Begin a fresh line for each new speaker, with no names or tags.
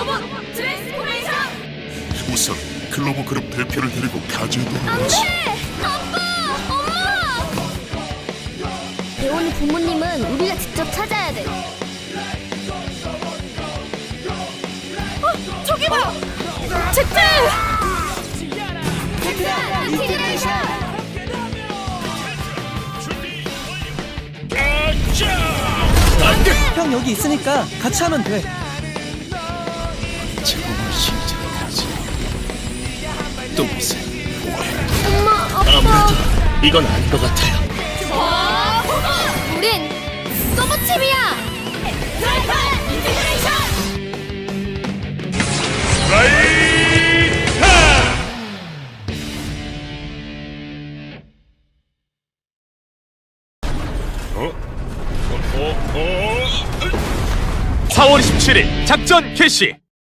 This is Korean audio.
로봇 트랜스포메이션!
우선 글로브 그룹 대표를 데리고 가지에
안
돌아가지.
돼! 아빠! 엄마! 배우는 부모님은 우리가 직접 찾아야 돼. 저기 봐! 제트! 인티그레이션!
형 여기 있으니까 같이 하면 돼.
제공을 시작하지. 또 무슨
엄마, 아빠!
아무래도 이건 아닌 것 같아요.
우린 서버팀이야! 트라이팔 인티그레이션!
어?
4월 27일 작전 개시.